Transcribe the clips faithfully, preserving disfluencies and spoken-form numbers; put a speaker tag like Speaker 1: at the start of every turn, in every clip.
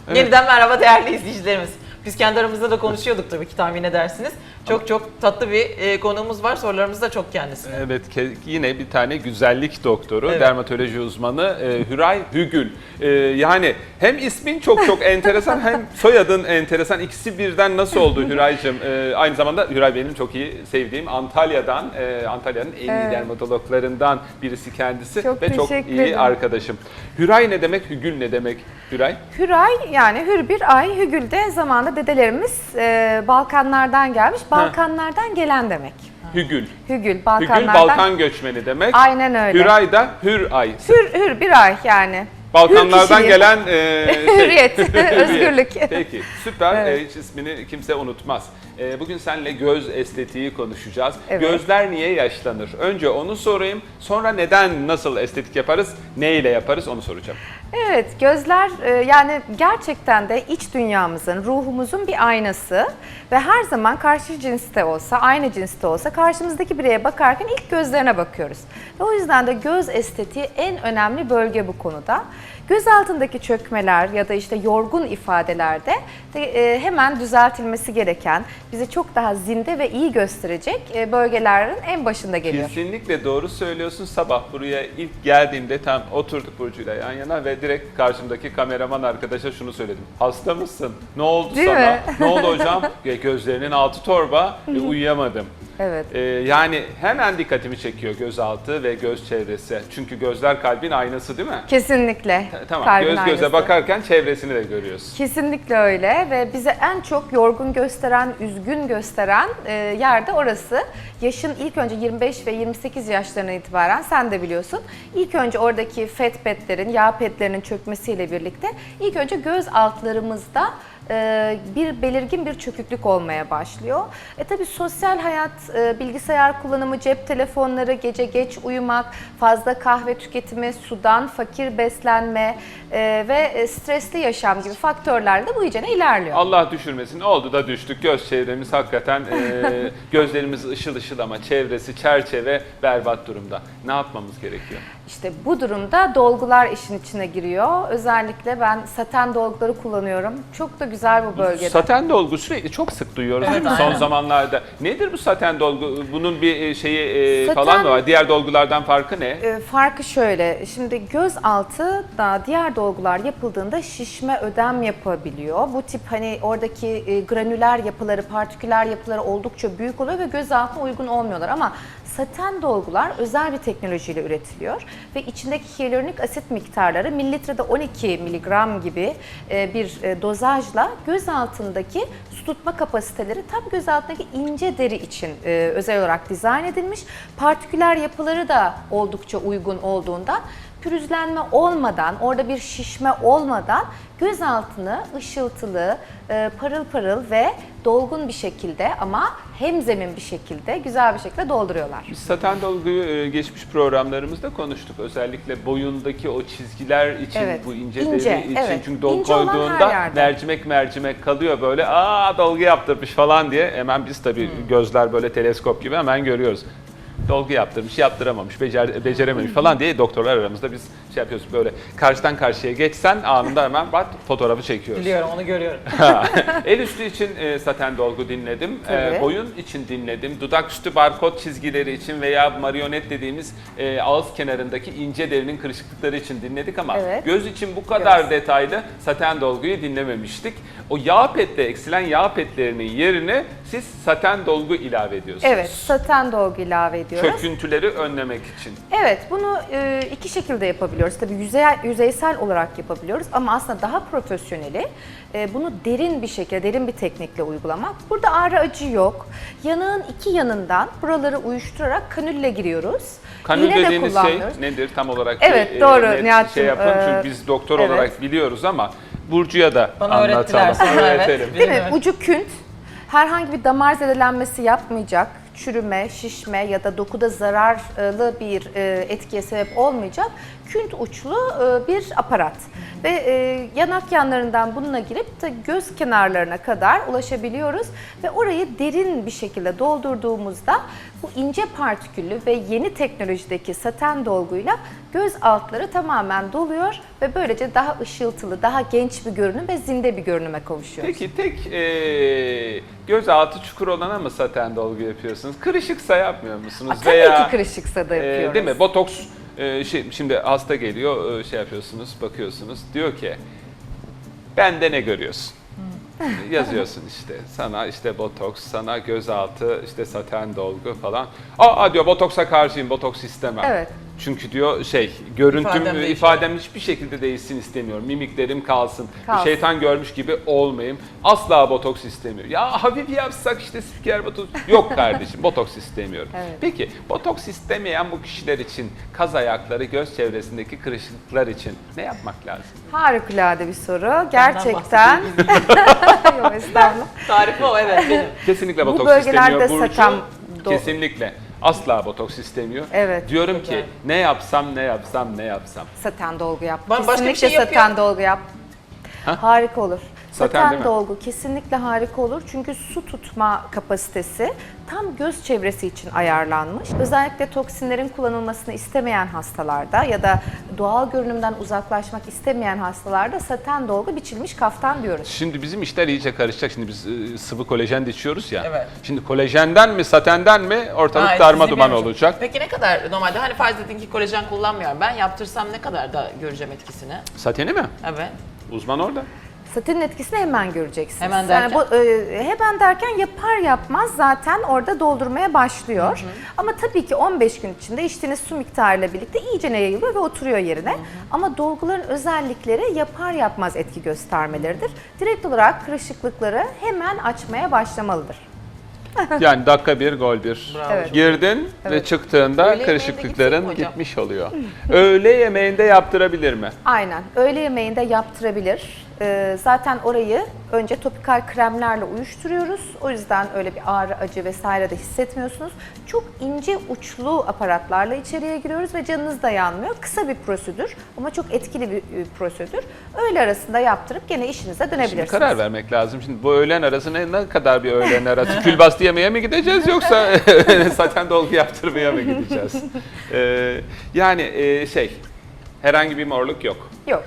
Speaker 1: Evet.
Speaker 2: Yeniden merhaba değerli izleyicilerimiz. Biz kendi aramızda da konuşuyorduk tabii ki, tahmin edersiniz. Çok çok tatlı bir e, konuğumuz var. Sorularımız da çok kendisine.
Speaker 1: Evet, yine bir tane güzellik doktoru,
Speaker 2: Evet.
Speaker 1: dermatoloji uzmanı e, Hüray Hügül. E, yani hem ismin çok çok enteresan hem soyadın enteresan. İkisi birden nasıl oldu Hüray'cığım? E, aynı zamanda Hüray benim çok iyi sevdiğim Antalya'dan, e, Antalya'nın en iyi
Speaker 3: Evet.
Speaker 1: dermatologlarından birisi kendisi
Speaker 3: Çok
Speaker 1: ve çok
Speaker 3: teşekkür
Speaker 1: iyi
Speaker 3: ederim.
Speaker 1: arkadaşım. Hüray ne demek, Hügül ne demek Hüray?
Speaker 3: Hüray yani hür bir ay, hügül de zamanında dedelerimiz e, Balkanlardan gelmiş. Balkanlardan gelen demek.
Speaker 1: Hügül.
Speaker 3: Hügül, Balkanlardan.
Speaker 1: Hügül Balkan göçmeni demek.
Speaker 3: Aynen öyle.
Speaker 1: Hüray da hür ay.
Speaker 3: Hür, hür bir ay yani.
Speaker 1: Balkanlardan
Speaker 3: Hür kişiliği.
Speaker 1: gelen e, şey.
Speaker 3: Hürriyet, özgürlük.
Speaker 1: Peki, süper.
Speaker 3: Evet.
Speaker 1: E, hiç ismini kimse unutmaz. E, bugün seninle göz estetiği konuşacağız.
Speaker 3: Evet.
Speaker 1: Gözler niye yaşlanır? Önce onu sorayım. Sonra neden, nasıl estetik yaparız, ne ile yaparız onu soracağım.
Speaker 3: Evet, gözler e, yani gerçekten de iç dünyamızın, ruhumuzun bir aynası ve her zaman karşı cinste olsa, aynı cinste olsa karşımızdaki bireye bakarken ilk gözlerine bakıyoruz. Ve o yüzden de göz estetiği en önemli bölge bu konuda. Göz altındaki çökmeler ya da işte yorgun ifadelerde de, e, hemen düzeltilmesi gereken, bizi çok daha zinde ve iyi gösterecek e, bölgelerin en başında geliyor.
Speaker 1: Kesinlikle doğru söylüyorsun. Sabah buraya ilk geldiğimde tam oturduk Burcu'yla yan yana ve direkt karşımdaki kameraman arkadaşa şunu söyledim. Hasta mısın? Ne oldu
Speaker 3: Değil
Speaker 1: sana?
Speaker 3: mi?
Speaker 1: Ne oldu hocam? Gözlerinin altı torba, e, uyuyamadım.
Speaker 3: Evet.
Speaker 1: Ee, yani hemen dikkatimi çekiyor gözaltı ve göz çevresi. Çünkü gözler kalbin aynası değil mi?
Speaker 3: Kesinlikle.
Speaker 1: Tamam,
Speaker 3: Kalbin
Speaker 1: göz göze
Speaker 3: aynası.
Speaker 1: bakarken çevresini de görüyorsun.
Speaker 3: Kesinlikle öyle ve bize en çok yorgun gösteren, üzgün gösteren e, yer de orası. Yaşın ilk önce yirmi beş ve yirmi sekiz yaşlarına itibaren sen de biliyorsun. İlk önce oradaki fat petlerin, yağ petlerinin çökmesiyle birlikte ilk önce göz altlarımızda e, bir belirgin bir çöküklük olmaya başlıyor. E tabi sosyal hayat, e, bilgisayar kullanımı, cep telefonları, gece geç uyumak, fazla kahve tüketimi, sudan fakir beslenme e, ve stresli yaşam gibi faktörler de bu iyicene ilerliyor.
Speaker 1: Allah düşürmesin. Oldu da düştük. Göz çevremiz hakikaten e, gözlerimiz ışıl ışıl ama çevresi, çerçeve berbat durumda. Ne yapmamız gerekiyor?
Speaker 3: İşte bu durumda dolgular işin içine giriyor. Özellikle ben saten dolguları kullanıyorum. Çok da güzel bu bölgede.
Speaker 1: Saten dolgu sürekli çok sık duyuyoruz değil mi son zamanlarda? Nedir bu saten dolgu? Bunun bir şeyi e,
Speaker 3: Saten-
Speaker 1: falan mı var? Diğer dolgulardan farkı ne?
Speaker 3: E, farkı şöyle, şimdi göz altı da diğer dolgular yapıldığında şişme, ödem yapabiliyor. Bu tip hani oradaki e, granüler yapıları, partiküler yapıları oldukça büyük oluyor ve göz altına uygun olmuyorlar ama saten dolgular özel bir teknolojiyle üretiliyor ve içindeki hyaluronik asit miktarları mililitrede on iki miligram gibi e, bir e, dozajla göz altındaki su tutma kapasiteleri tam göz altındaki ince deri için e, özel olarak dizayn edilmiş. Partiküler yapıları da oldukça uygun olduğundan pürüzlenme olmadan, orada bir şişme olmadan göz altını ışıltılı, e, parıl parıl ve dolgun bir şekilde ama hemzemin bir şekilde, güzel bir şekilde dolduruyorlar.
Speaker 1: Biz saten dolguyu e, geçmiş programlarımızda konuştuk. Özellikle boyundaki o çizgiler için,
Speaker 3: Evet,
Speaker 1: bu ince,
Speaker 3: ince,
Speaker 1: deri için.
Speaker 3: evet.
Speaker 1: Çünkü dolgu
Speaker 3: İnce olan her
Speaker 1: koyduğunda
Speaker 3: yerde.
Speaker 1: mercimek mercimek kalıyor böyle. Aa dolgu yaptırmış falan diye. Hemen biz tabii
Speaker 3: Hmm.
Speaker 1: gözler böyle teleskop gibi hemen görüyoruz. Dolgu yaptırmış, yaptıramamış, becer, becerememiş falan diye doktorlar aramızda biz şey yapıyoruz böyle karşıdan karşıya geçsen anında hemen bak fotoğrafı çekiyoruz.
Speaker 2: Biliyorum, onu görüyorum.
Speaker 1: El üstü için e, saten dolgu dinledim, e,
Speaker 3: Tabii.
Speaker 1: boyun için dinledim, dudak üstü barkod çizgileri için veya marionet dediğimiz e, ağız kenarındaki ince derinin kırışıklıkları için dinledik ama
Speaker 3: Evet.
Speaker 1: göz için bu kadar
Speaker 3: Göz.
Speaker 1: detaylı saten dolguyu dinlememiştik. O yağ petle, eksilen yağ petlerinin yerine siz saten dolgu ilave ediyorsunuz.
Speaker 3: Evet, saten dolgu ilave ediyoruz.
Speaker 1: Çöküntüleri önlemek için.
Speaker 3: Evet, bunu e, iki şekilde yapabiliyoruz. Tabii yüzey, yüzeysel olarak yapabiliyoruz ama aslında daha profesyoneli e, bunu derin bir şekilde, derin bir teknikle uygulamak. Burada ağrı acı yok. Yanağın iki yanından buraları uyuşturarak kanülle giriyoruz.
Speaker 1: Kanül
Speaker 3: İğne de
Speaker 1: dediğiniz şey
Speaker 3: kullanmıyoruz.
Speaker 1: nedir tam olarak?
Speaker 3: Evet,
Speaker 1: bir,
Speaker 3: doğru,
Speaker 1: net
Speaker 3: Nihat'cığım.
Speaker 1: şey yapalım
Speaker 3: Ee,
Speaker 1: çünkü biz doktor
Speaker 3: evet.
Speaker 1: olarak biliyoruz ama Burcu'ya da
Speaker 2: Bana öğrettiler
Speaker 1: anlatalım,
Speaker 2: sonra, evet.
Speaker 1: öğretelim.
Speaker 3: Değil mi?
Speaker 2: Değil mi?
Speaker 3: Ucu künt. Herhangi bir damar zedelenmesi yapmayacak. çürüme, şişme ya da dokuda zararlı bir e, etkiye sebep olmayacak künt uçlu e, bir aparat. Ve e, yanak yanlarından bununla girip de göz kenarlarına kadar ulaşabiliyoruz ve orayı derin bir şekilde doldurduğumuzda bu ince partiküllü ve yeni teknolojideki saten dolguyla göz altları tamamen doluyor ve böylece daha ışıltılı, daha genç bir görünüm ve zinde bir görünüme kavuşuyoruz.
Speaker 1: Peki tek e, gözaltı çukur olana mı saten dolgu yapıyorsunuz? Kırışıksa yapmıyor musunuz?
Speaker 3: Aa, tabii
Speaker 1: Veya,
Speaker 3: ki kırışıksa da
Speaker 1: e,
Speaker 3: yapıyoruz.
Speaker 1: değil mi? Botoks e, şey, şimdi hasta geliyor, e, şey yapıyorsunuz, bakıyorsunuz. Diyor ki bende ne görüyorsun? Yazıyorsun işte. Sana işte botoks, sana gözaltı, işte saten dolgu falan. Aa diyor botoksa karşıyım, botoks istemem.
Speaker 3: Evet.
Speaker 1: Çünkü diyor şey, görüntüm,
Speaker 2: İfadem
Speaker 1: ifadem,
Speaker 2: değişiyor.
Speaker 1: ifadem hiçbir şekilde değişsin istemiyorum. Mimiklerim kalsın.
Speaker 3: Kalsın.
Speaker 1: Bir şeytan görmüş gibi olmayayım. Asla botoks istemiyor. Ya hafif yapsak işte spiker botoks. Yok kardeşim, botoks istemiyorum.
Speaker 3: Evet.
Speaker 1: Peki botoks istemeyen bu kişiler için, kaz ayakları, göz çevresindeki kırışıklıklar için ne yapmak lazım?
Speaker 3: Harikulade bir soru. Gerçekten.
Speaker 2: bahsedeyim.
Speaker 3: Yok estağfurullah.
Speaker 2: Tarifi o, evet benim.
Speaker 1: Kesinlikle
Speaker 3: Bu
Speaker 1: botoks
Speaker 3: bölgelerde
Speaker 1: istemiyor Burcu.
Speaker 3: saten do-
Speaker 1: Kesinlikle. Asla botoks istemiyor.
Speaker 3: Evet.
Speaker 1: Diyorum
Speaker 2: Çok
Speaker 1: ki
Speaker 2: güzel.
Speaker 1: ne yapsam, ne yapsam, ne yapsam.
Speaker 3: Saten dolgu yap.
Speaker 2: Ba- başka bir
Speaker 3: Kesinlikle
Speaker 2: şey yapıyor.
Speaker 3: saten dolgu yap.
Speaker 1: Ha?
Speaker 3: Harika olur.
Speaker 1: Saten
Speaker 3: Saten,
Speaker 1: değil mi?
Speaker 3: dolgu kesinlikle harika olur. Çünkü su tutma kapasitesi tam göz çevresi için ayarlanmış. Özellikle toksinlerin kullanılmasını istemeyen hastalarda ya da doğal görünümden uzaklaşmak istemeyen hastalarda saten dolgu biçilmiş kaftan diyoruz.
Speaker 1: Şimdi bizim işler iyice karışacak. Şimdi biz e, sıvı kolajen de içiyoruz ya.
Speaker 2: Evet.
Speaker 1: Şimdi kolajenden mi, satenden mi ortalık
Speaker 2: Ha,
Speaker 1: darma
Speaker 2: sizi
Speaker 1: duman
Speaker 2: bilmiyorum.
Speaker 1: olacak.
Speaker 2: Peki ne kadar normalde, hani farz edin ki kolajen kullanmıyorum. Ben yaptırsam ne kadar da göreceğim etkisini?
Speaker 1: Sateni mi?
Speaker 2: Evet.
Speaker 1: Uzman orada.
Speaker 3: Satenin etkisini hemen göreceksiniz.
Speaker 2: Hemen derken?
Speaker 3: Yani bu, e, hemen derken yapar yapmaz zaten orada doldurmaya başlıyor. Ama tabii ki on beş gün içinde içtiğiniz su miktarıyla birlikte iyice yayılıyor ve oturuyor yerine. Ama dolguların özellikleri yapar yapmaz etki göstermeleridir. Direkt olarak kırışıklıkları hemen açmaya başlamalıdır.
Speaker 1: Yani dakika bir, gol bir.
Speaker 2: Bravo.
Speaker 3: Evet.
Speaker 1: Girdin ve
Speaker 3: Evet.
Speaker 1: çıktığında
Speaker 2: Öğle yemeğinde
Speaker 1: kırışıklıkların
Speaker 2: gitsek mi hocam?
Speaker 1: gitmiş oluyor. Öğle yemeğinde yaptırabilir mi?
Speaker 3: Aynen. Öğle yemeğinde yaptırabilir. Ee, zaten orayı önce topikal kremlerle uyuşturuyoruz. O yüzden öyle bir ağrı, acı vesaire de hissetmiyorsunuz. Çok ince uçlu aparatlarla içeriye giriyoruz ve canınız da yanmıyor. Kısa bir prosedür ama çok etkili bir e, prosedür. Öğle arasında yaptırıp gene işinize
Speaker 1: Şimdi
Speaker 3: dönebilirsiniz.
Speaker 1: karar vermek lazım. Şimdi bu öğlen arası ne, ne kadar bir öğlen arası? Külbastı yemeye mi gideceğiz yoksa saten dolgu yaptırmaya mı gideceğiz? Ee, yani e, şey, herhangi bir morluk yok.
Speaker 3: Yok.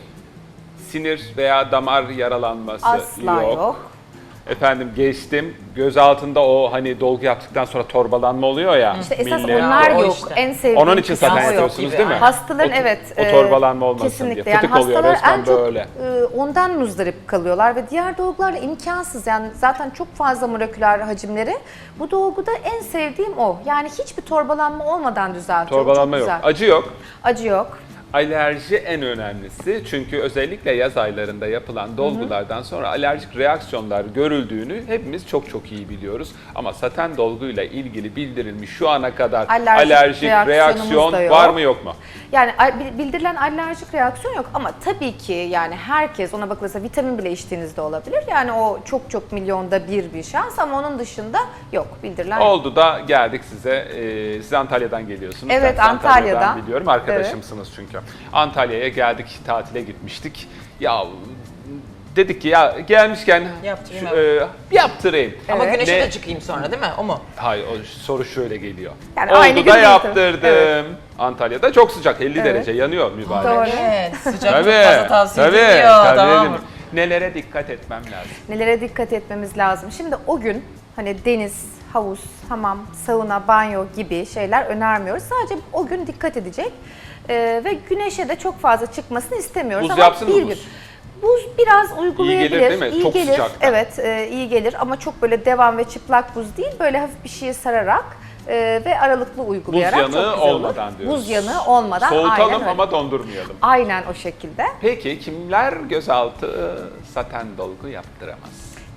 Speaker 1: Sinir veya damar yaralanması
Speaker 3: Asla
Speaker 1: yok.
Speaker 3: yok.
Speaker 1: Efendim geçtim. Göz altında o hani dolgu yaptıktan sonra torbalanma oluyor ya.
Speaker 3: İşte esas
Speaker 1: millet.
Speaker 3: onlar
Speaker 2: O
Speaker 3: yok.
Speaker 2: işte.
Speaker 3: En sevdiğim
Speaker 1: Onun için
Speaker 3: kısmı
Speaker 1: zaten
Speaker 3: o yok.
Speaker 1: yapıyorsunuz
Speaker 2: gibi,
Speaker 1: değil mi?
Speaker 2: aynen.
Speaker 3: Hastaların
Speaker 1: O-
Speaker 3: evet.
Speaker 1: O
Speaker 3: e,
Speaker 1: torbalanma olmasın
Speaker 3: kesinlikle.
Speaker 1: diye. Fıtık
Speaker 3: yani
Speaker 1: oluyor
Speaker 3: hastalar
Speaker 1: resmen
Speaker 3: en çok
Speaker 1: böyle.
Speaker 3: e, ondan muzdarip kalıyorlar ve diğer dolgularla imkansız. Yani zaten çok fazla moleküler hacimleri. Bu dolguda en sevdiğim o. Yani hiçbir torbalanma olmadan düzeltiyorum.
Speaker 1: Torbalanma
Speaker 3: Çok
Speaker 1: yok.
Speaker 3: güzel.
Speaker 1: Acı yok.
Speaker 3: Acı yok.
Speaker 1: Alerji en önemlisi, çünkü özellikle yaz aylarında yapılan dolgulardan sonra alerjik reaksiyonlar görüldüğünü hepimiz çok çok iyi biliyoruz. Ama saten dolguyla ilgili bildirilmiş şu ana kadar
Speaker 3: Alerjik
Speaker 1: alerjik,
Speaker 3: reaksiyonumuz
Speaker 1: reaksiyon
Speaker 3: da yok.
Speaker 1: var mı yok mu?
Speaker 3: Yani a- bildirilen alerjik reaksiyon yok ama tabii ki yani herkes, ona bakılırsa vitamin bile içtiğinizde olabilir. Yani o çok çok milyonda bir bir şans ama onun dışında yok, bildirilen yok.
Speaker 1: Oldu da geldik size. Ee, siz Antalya'dan geliyorsunuz.
Speaker 3: Evet,
Speaker 1: Ben sizi
Speaker 3: Antalya'dan.
Speaker 1: biliyorum. Arkadaşımsınız çünkü. Antalya'ya geldik, tatile gitmiştik. Ya dedik ki ya gelmişken
Speaker 2: Yaptırayım,
Speaker 1: şu, e, yaptırayım.
Speaker 2: Ama
Speaker 3: Evet.
Speaker 2: güneşe
Speaker 1: Ne-
Speaker 2: de çıkayım sonra, değil mi? O mu?
Speaker 1: Hayır, o soru şöyle geliyor.
Speaker 3: Yani
Speaker 1: Oldu
Speaker 3: aynı gün
Speaker 1: da
Speaker 3: değil
Speaker 1: yaptırdım.
Speaker 3: tabii. Evet.
Speaker 1: Antalya'da çok sıcak, elli
Speaker 3: Evet.
Speaker 1: derece yanıyor mübarek.
Speaker 3: Doğru.
Speaker 2: Evet. Sıcak çok
Speaker 1: Tabii,
Speaker 2: fazla tavsiye
Speaker 1: tabii,
Speaker 2: edilmiyor.
Speaker 1: tabii
Speaker 2: Tamam.
Speaker 1: dedim. Nelere dikkat etmem lazım?
Speaker 3: Nelere dikkat etmemiz lazım? Şimdi o gün hani deniz, havuz, hamam, sauna, banyo gibi şeyler önermiyoruz. Sadece o gün dikkat edecek Ee, ve güneşe de çok fazla çıkmasını istemiyoruz.
Speaker 1: Buz
Speaker 3: Ama
Speaker 1: yapsın mı
Speaker 3: bir
Speaker 1: buz?
Speaker 3: gün. Buz biraz uygulayabilir.
Speaker 1: değil mi?
Speaker 3: İyi
Speaker 1: Çok
Speaker 3: gelir.
Speaker 1: sıcakta.
Speaker 3: Evet, e, iyi gelir ama çok böyle devam ve çıplak buz değil. Böyle hafif bir şeye sararak e, ve aralıklı uygulayarak
Speaker 1: Buz yanığı
Speaker 3: çok güzel olur.
Speaker 1: olmadan diyoruz.
Speaker 3: Buz yanığı olmadan aynen
Speaker 1: Soğutalım
Speaker 3: öyle.
Speaker 1: ama dondurmayalım.
Speaker 3: Aynen o şekilde.
Speaker 1: Peki kimler gözaltı saten dolgu yaptıramaz?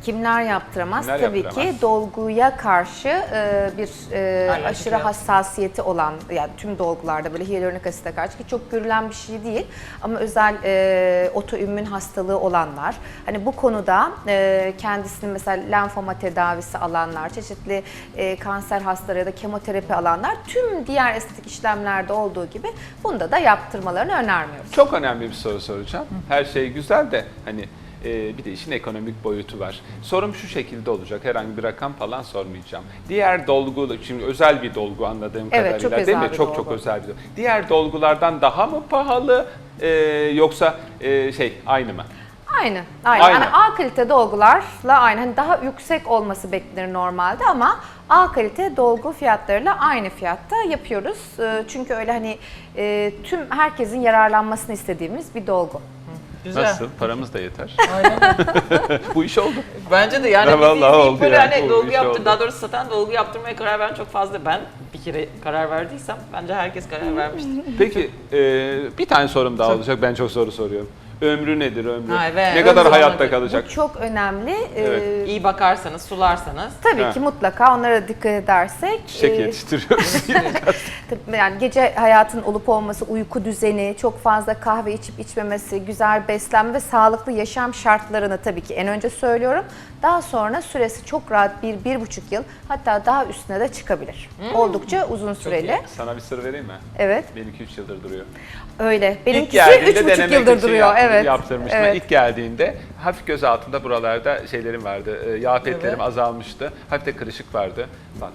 Speaker 3: Kimler yaptıramaz?
Speaker 1: Kimler
Speaker 3: Tabii
Speaker 1: yaptıramaz?
Speaker 3: ki dolguya karşı e, bir e,
Speaker 2: Alerjik
Speaker 3: aşırı
Speaker 2: reaksiyon.
Speaker 3: hassasiyeti olan, yani tüm dolgularda böyle hyaluronik asite karşı, ki çok görülen bir şey değil ama özel e, otoimmün hastalığı olanlar, hani bu konuda e, kendisini mesela lenfoma tedavisi alanlar, çeşitli e, kanser hastaları ya da kemoterapi alanlar, tüm diğer estetik işlemlerde olduğu gibi bunda da yaptırmalarını önermiyoruz.
Speaker 1: Çok önemli bir soru soracağım. Her şey güzel de hani e, bir de işin ekonomik boyutu var. Sorum şu şekilde olacak. Herhangi bir rakam falan sormayacağım. Diğer dolgu, şimdi özel bir dolgu anladığım
Speaker 3: Evet,
Speaker 1: kadarıyla
Speaker 3: çok
Speaker 1: değil
Speaker 3: özel
Speaker 1: mi?
Speaker 3: bir
Speaker 1: Çok
Speaker 3: dolgu.
Speaker 1: çok özel bir dolgu. Diğer dolgulardan daha mı pahalı e, yoksa e, şey aynı mı?
Speaker 3: Aynı, aynı.
Speaker 1: Aynı.
Speaker 3: Yani A kalite dolgularla aynı. Hani daha yüksek olması beklenir normalde ama A kalite dolgu fiyatlarıyla aynı fiyatta yapıyoruz. Ee, Çünkü öyle hani e, tüm herkesin yararlanmasını istediğimiz bir dolgu.
Speaker 2: Güzel.
Speaker 1: Nasıl? Paramız da yeter.
Speaker 2: Aynen.
Speaker 1: Bu iş oldu.
Speaker 2: Bence de yani
Speaker 1: Ya
Speaker 2: bizi
Speaker 1: vallahi
Speaker 2: izleyip
Speaker 1: oldu
Speaker 2: böyle
Speaker 1: yani,
Speaker 2: hani
Speaker 1: bu
Speaker 2: dolgu
Speaker 1: iş
Speaker 2: yaptır,
Speaker 1: oldu.
Speaker 2: daha doğrusu zaten dolgu yaptırmaya karar veren çok fazla. Ben bir kere karar verdiysem bence herkes karar vermiştir.
Speaker 1: Peki e, bir tane sorum daha olacak. Ben çok soru soruyorum. Ömrü nedir ömrü?
Speaker 2: Ha, evet.
Speaker 1: Ne kadar
Speaker 2: Ömrü
Speaker 1: hayatta
Speaker 2: olmadı.
Speaker 1: kalacak?
Speaker 3: Bu çok önemli. Ee,
Speaker 1: Evet.
Speaker 2: İyi bakarsanız, sularsanız.
Speaker 3: Tabii
Speaker 1: Ha.
Speaker 3: ki mutlaka onlara dikkat edersek.
Speaker 1: Çiçek
Speaker 3: e,
Speaker 1: yetiştiriyoruz.
Speaker 3: Tabii yani gece hayatın olup olması, uyku düzeni, çok fazla kahve içip içmemesi, güzel beslenme ve sağlıklı yaşam şartlarını tabii ki en önce söylüyorum. Daha sonra süresi çok rahat bir, bir buçuk yıl, hatta daha üstüne de çıkabilir. Oldukça uzun süreli.
Speaker 1: Sana bir sır vereyim mi?
Speaker 3: Evet,
Speaker 1: Benimki üç yıldır duruyor.
Speaker 3: öyle.
Speaker 1: İlk
Speaker 3: Benimkisi
Speaker 1: geldiğinde
Speaker 3: üç buçuk
Speaker 1: denemek
Speaker 3: yıldır
Speaker 1: için
Speaker 3: duruyor.
Speaker 1: yap-
Speaker 3: Evet.
Speaker 1: yaptırmıştım.
Speaker 3: Evet.
Speaker 1: İlk geldiğinde hafif göz altında buralarda şeylerim vardı. e, Yağ petlerim
Speaker 2: Evet.
Speaker 1: azalmıştı. Hafif de kırışık vardı. Bak.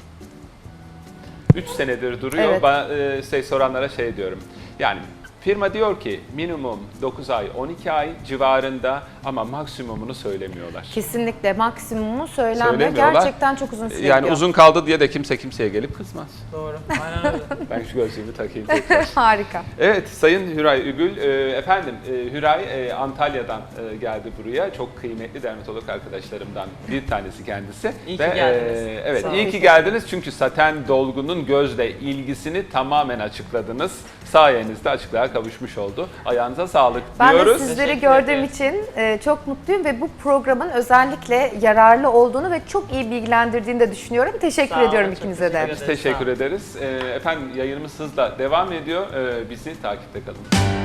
Speaker 1: üç senedir duruyor.
Speaker 3: Evet.
Speaker 1: Bana e, şey soranlara şey diyorum. Yani firma diyor ki minimum dokuz ay, on iki ay civarında ama maksimumunu söylemiyorlar.
Speaker 3: Kesinlikle maksimumu söylenmiyor.
Speaker 1: Söylemiyorlar.
Speaker 3: Gerçekten çok uzun süre
Speaker 1: Yani
Speaker 3: gidiyor.
Speaker 1: uzun kaldı diye de kimse kimseye gelip kızmaz.
Speaker 2: Doğru. Aynen öyle.
Speaker 1: Ben şu gözlüğümü takayım tekrar.
Speaker 3: Harika.
Speaker 1: Evet, Sayın Hüray Ügül, e, efendim e, Hüray e, Antalya'dan e, geldi buraya. Çok kıymetli dermatolog arkadaşlarımdan bir tanesi kendisi.
Speaker 2: İyi ki geldiniz.
Speaker 1: e, evet,
Speaker 2: Sağ olun.
Speaker 1: iyi ki geldiniz çünkü saten dolgunun gözle ilgisini tamamen açıkladınız. Sayenizde açıklığa kavuşmuş oldu. Ayağınıza sağlık
Speaker 3: Ben
Speaker 1: diyoruz.
Speaker 3: de sizleri
Speaker 2: Teşekkür
Speaker 3: gördüğüm
Speaker 2: ederiz.
Speaker 3: için e, çok mutluyum ve bu programın özellikle yararlı olduğunu ve çok iyi bilgilendirdiğini de düşünüyorum. Teşekkür
Speaker 2: Sağ olun,
Speaker 3: ediyorum
Speaker 2: çok
Speaker 3: ikinize de.
Speaker 2: teşekkür
Speaker 1: Biz
Speaker 2: ederiz.
Speaker 1: teşekkür
Speaker 2: Sağ olun.
Speaker 1: ederiz. E, efendim yayınımız hızla devam ediyor. E, bizi takipte kalın.